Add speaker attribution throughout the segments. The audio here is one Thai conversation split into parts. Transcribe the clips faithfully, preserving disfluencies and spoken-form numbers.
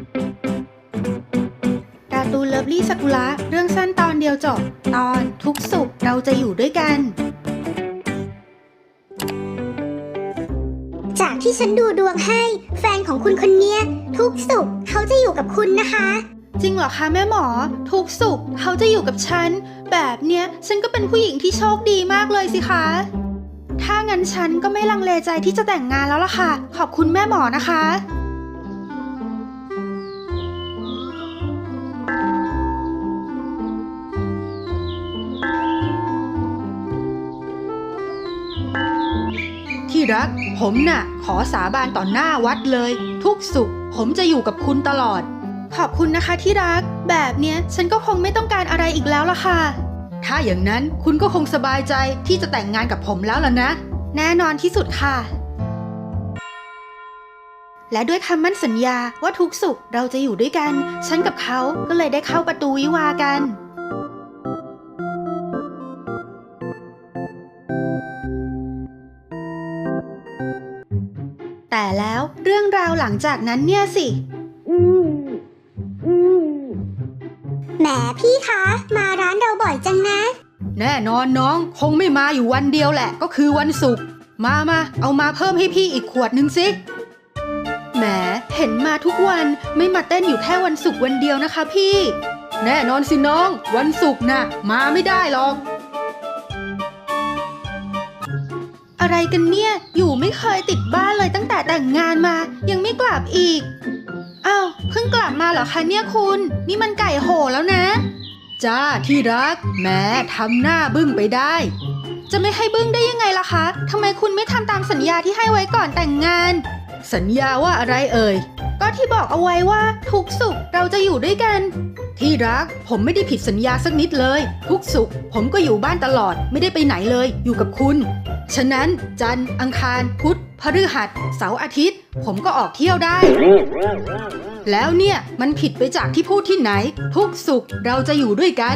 Speaker 1: การ์ตูนเลิฟลี่ซากุระเรื่องสั้นตอนเดียวจบตอนทุกสุขเราจะอยู่ด้วยกัน
Speaker 2: จากที่ฉันดูดวงให้แฟนของคุณคนเนี้ยทุกสุขเขาจะอยู่กับคุณนะคะ
Speaker 1: จริงเหรอคะแม่หมอทุกสุขเขาจะอยู่กับฉันแบบเนี้ยฉันก็เป็นผู้หญิงที่โชคดีมากเลยสิคะถ้างั้นฉันก็ไม่ลังเลใจที่จะแต่งงานแล้วล่ะค่ะขอบคุณแม่หมอนะคะที่รักผมน่ะขอสาบานต่อหน้าวัดเลยทุกสุขผมจะอยู่กับคุณตลอดขอบคุณนะคะที่รักแบบเนี้ยฉันก็คงไม่ต้องการอะไรอีกแล้วล่ะค่ะถ้าอย่างนั้นคุณก็คงสบายใจที่จะแต่งงานกับผมแล้วล่ะนะแน่นอนที่สุดค่ะและด้วยคำมั่นสัญญาว่าทุกสุขเราจะอยู่ด้วยกันฉันกับเขาก็เลยได้เข้าประตูวิวาห์กันแต่แล้วเรื่องราวหลังจากนั้นเนี่ยสิ
Speaker 2: อืมอืมแหมพี่คะมาร้านเราบ่อยจังนะ
Speaker 1: แน่นอนน้องคงไม่มาอยู่วันเดียวแหละก็คือวันศุกร์มามาเอามาเพิ่มให้พี่อีกขวดนึงสิแหมเห็นมาทุกวันไม่มาเต้นอยู่แค่วันศุกร์วันเดียวนะคะพี่แน่นอนสิน้องวันศุกร์น่ะมาไม่ได้หรอกอะไรกันเนี่ยอยู่ไม่เคยติดบ้านเลยตั้งแต่แต่งงานมายังไม่กลับอีกอ้าวเพิ่งกลับมาเหรอคะเนี่ยคุณนี่มันไก่โหแล้วนะจ้าที่รักแหมทำหน้าบึ้งไปได้จะไม่ให้บึ้งได้ยังไงล่ะคะทำไมคุณไม่ทำตามสัญญาที่ให้ไว้ก่อนแต่งงานสัญญาว่าอะไรเอ่ยก็ที่บอกเอาไว้ว่าทุกสุขเราจะอยู่ด้วยกันที่รักผมไม่ได้ผิดสัญญาสักนิดเลยทุกสุขผมก็อยู่บ้านตลอดไม่ได้ไปไหนเลยอยู่กับคุณฉะนั้นจันทร์อังคารพุธพฤหัสเสาร์อาทิตย์ผมก็ออกเที่ยวได้แล้วเนี่ยมันผิดไปจากที่พูดที่ไหนทุกสุขเราจะอยู่ด้วยกัน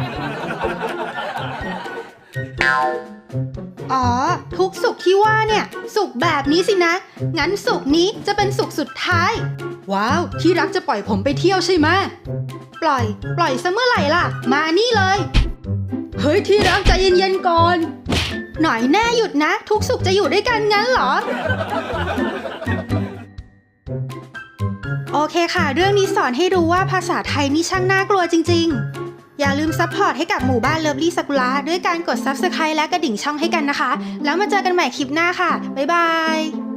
Speaker 1: อ๋อทุกสุขที่ว่าเนี่ยสุขแบบนี้สินะงั้นสุขนี้จะเป็นสุขสุดท้ายว้าวที่รักจะปล่อยผมไปเที่ยวใช่ไหมปล่อยปล่อยซะเมื่อไหร่ล่ะมานี่เลยเฮ้ยที่รักใจเย็นๆก่อนหน่อยแน่หยุดนะทุกสุขจะอยู่ด้วยกันงั้นเหรอโอเคค่ะเรื่องนี้สอนให้รู้ว่าภาษาไทยนี่ช่างน่ากลัวจริงๆอย่าลืมซัพพอร์ตให้กับหมู่บ้านเลิฟลี่ซากุระด้วยการกด ซับสไครบ์ และกระดิ่งช่องให้กันนะคะแล้วมาเจอกันใหม่คลิปหน้าค่ะบ๊ายบาย